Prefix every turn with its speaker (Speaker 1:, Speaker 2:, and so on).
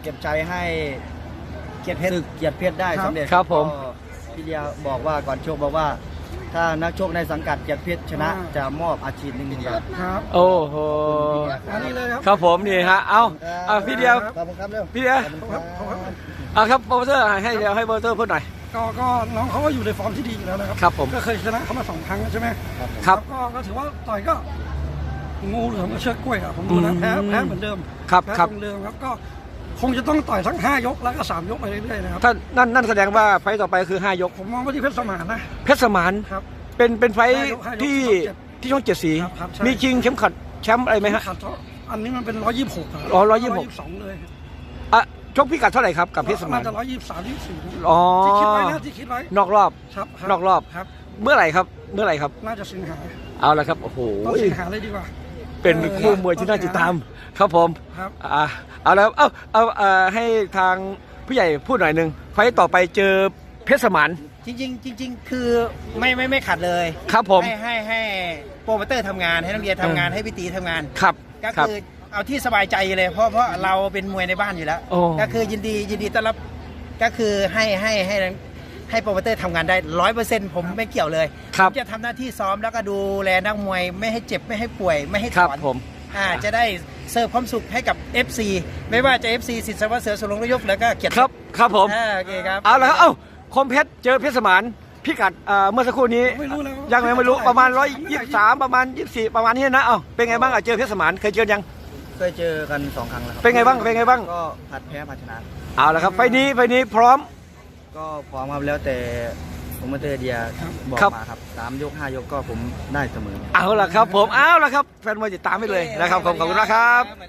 Speaker 1: เก็บใจให้เกียรติเพชรได้สำเร็จ
Speaker 2: ครับผม
Speaker 1: ก็พี่เดียบอกว่าก่อนชกบอกว่า ถ้านักชกในสังกัดเกียรติเพชรชนะจะมอบอาชีพ1,000 บาท
Speaker 3: ครับ
Speaker 2: โอ้โห
Speaker 3: อันนี้เลยครับ
Speaker 2: ครับผมนี่ฮะเอาพี่เดียว
Speaker 1: ขอบคุณครับเร็ว
Speaker 2: พี่เดียว
Speaker 1: ขอบคุณครับ
Speaker 2: ครับโปรเซอร์ให้เดียวให้โปรเซอร์พูดหน่อย
Speaker 3: ก็น้องเขาก็อยู่ในฟอร์มที่ดีอยู่แล้วนะครับ
Speaker 2: ครับผม
Speaker 3: ก็เคยชนะเขามา2 ครั้งใช่ไหม
Speaker 2: ครับ
Speaker 3: ก็ถือว่าต่อยก็งูเหลือมกับเชือกกล้วยอะผมดูนะแพ้เหมือนเดิม
Speaker 2: ครับ
Speaker 3: แพ้
Speaker 2: ครับ
Speaker 3: เหมือนเดิมครับก็คงจะต้องต่อยทั้ง5 ยกแล้วก็3 ยกไปเรื่อยๆนะครับ
Speaker 2: ท่านนั่นแสดงว่าไฟต์ต่อไปคือ5 ยก
Speaker 3: ผมมองว่าที่เพชรสมานนะ
Speaker 2: เพชรสมาน
Speaker 3: ครับ
Speaker 2: เป็นไฟต์
Speaker 3: ห้ายก
Speaker 2: ที่ช่อง 7 สี
Speaker 3: ครับใช่
Speaker 2: มีชิงเข็มขัดแชมป์อะไรไหมฮะ
Speaker 3: ขัดอันนี้มันเป็น126ครับ
Speaker 2: อ๋อ126
Speaker 3: 122เลย
Speaker 2: อ่ะชกพิกัดเท่าไหร่ครับกับเพชรสมาน
Speaker 3: จะ123 24
Speaker 2: อ๋อ
Speaker 3: ที่คิดไว้นะที่คิดไว้
Speaker 2: นอกรอบ
Speaker 3: ครับ
Speaker 2: นอกรอบ
Speaker 3: ครับ
Speaker 2: เมื่อไหร่ครับ
Speaker 3: น่าจะสิงหา
Speaker 2: เอาละครับโอ้โห
Speaker 3: ต้องสิงหาเลยดีกว่า
Speaker 2: เป็นคู่มวยที่น่าติดตามครับผม
Speaker 3: ครับ
Speaker 2: เอาแล้วให้ทางผู้ใหญ่พูดหน่อยหนึงไฟต์ต่อไปเจอเพชรสมาน
Speaker 1: จริงคือไม่ขัดเลย
Speaker 2: ครับผม
Speaker 1: ให้โปรโมเตอร์ทำงานให้นักเรียนทำงานให้พี่ตีทำงาน
Speaker 2: ครับ
Speaker 1: ก็
Speaker 2: ครับ
Speaker 1: คือเอาที่สบายใจเลยเพราะเราเป็นมวยในบ้านอยู่แล้ว
Speaker 2: โอ้
Speaker 1: ก็คือยินดีต้อนรับก็คือให้โปรโมเตอร์ทำงานได้100%ผมไม่เกี่ยวเลย
Speaker 2: ครับ
Speaker 1: ผมจะทำหน้าที่ซ้อมแล้วก็ดูแลนักมวยไม่ให้เจ็บไม่ให้ป่วยไม่ให้
Speaker 2: ค
Speaker 1: ถ
Speaker 2: รับ
Speaker 1: อน
Speaker 2: ผม
Speaker 1: จะได้เสิร์ฟความสุขให้กับ FC ไม่ว่าจะ FC สิทธิ์สวัสดิ์เสือสุรงนายกแล้วก็เกียรติ
Speaker 2: ครับผม
Speaker 1: โอเคครับ
Speaker 2: เอาละครับคมเพชรเจอเพชรสมานพิกัดเมื่อสักครู่นี้
Speaker 3: ไม่รู้เลย
Speaker 2: ยังไม่รู้ประมาณ123ประมาณ24ประมาณนี้นะเป็นไงบ้างเจอเพชรสมานเคยเจอยัง
Speaker 1: เคยเจอกัน2 ครั้งแล้วครั
Speaker 2: เป็นไงบ้าง
Speaker 1: ก็ผัดแพ้ผัดชนะ
Speaker 2: เอาละครับไฟล์นี้พร้อม
Speaker 1: ก็พร้อมครับแล้วแต่โปรโมเตอร์เดียบอก
Speaker 2: ครับ
Speaker 1: มาครับ3 ยก 5 ยกก็ผมได้เสมอ
Speaker 2: เอาละครับผมเอาละครับแฟนมวยติดตามไปเลยนะครับขอบคุณนะครับ